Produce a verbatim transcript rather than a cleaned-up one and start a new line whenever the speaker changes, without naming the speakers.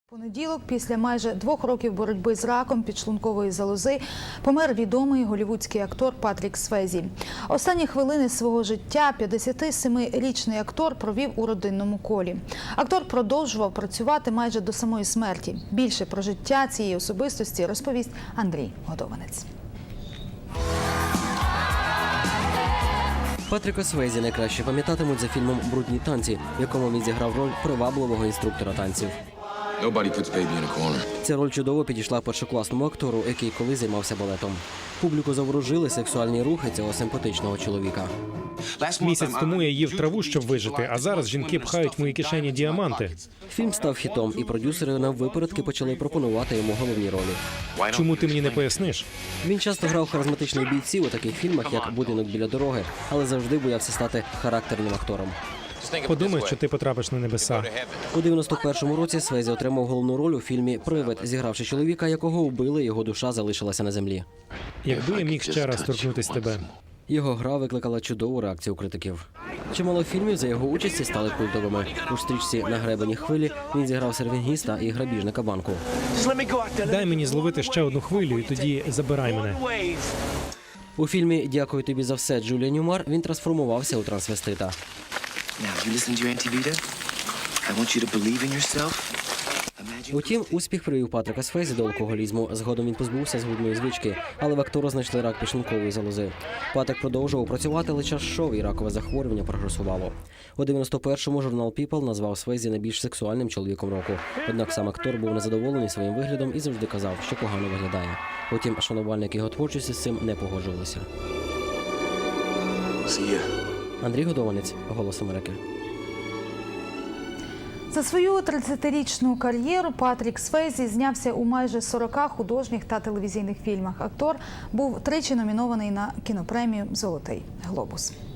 Понеділок, після майже двох років боротьби з раком підшлункової залози, помер відомий голлівудський актор Патрік Свейзі. Останні хвилини свого життя п'ятдесятисемирічний актор провів у родинному колі. Актор продовжував працювати майже до самої смерті. Більше про життя цієї особистості розповість Андрій Годованець.
Патріка Свейзі найкраще пам'ятатимуть за фільмом «Брудні танці», в якому він зіграв роль привабливого інструктора танців. Ця роль чудово підійшла першокласному актору, який колись займався балетом. Публіку заворожили сексуальні рухи цього симпатичного чоловіка.
Місяць тому я їв траву, щоб вижити, а зараз жінки пхають в мої кишені діаманти.
Фільм став хітом, і продюсери наввипередки почали пропонувати йому головні ролі.
Чому ти мені не поясниш?
Він часто грав харизматичних бійців у таких фільмах, як «Будинок біля дороги», але завжди боявся стати характерним актором.
Подумай, що ти потрапиш на небеса.
У дев'яносто першому році Свейзі отримав головну роль у фільмі «Привид», зігравши чоловіка, якого вбили, його душа залишилася на землі.
Якби я міг ще раз торкнутись тебе.
Його гра викликала чудову реакцію критиків. Чимало фільмів за його участі стали культовими. У стрічці «На гребені хвилі» він зіграв сервінгіста і грабіжника банку.
Дай мені зловити ще одну хвилю, і тоді забирай мене.
У фільмі «Дякую тобі за все» Джулія Ньюмар він трансформувався у трансвестита. Утім, успіх привів Патріка Свейзі до алкоголізму. Згодом він позбувся згубної звички, але в актора знайшли рак підшлункової залози. Патрік продовжував працювати, але час йшов, і ракове захворювання прогресувало. У дев'яносто першому журнал People назвав Свейзі найбільш сексуальним чоловіком року. Однак сам актор був незадоволений своїм виглядом і завжди казав, що погано виглядає. Утім, шанувальники його творчості з цим не погоджувалися. Андрій Годованець, «Голос Америки».
За свою тридцятирічну кар'єру Патрік Свейзі знявся у майже сорока художніх та телевізійних фільмах. Актор був тричі номінований на кінопремію «Золотий глобус».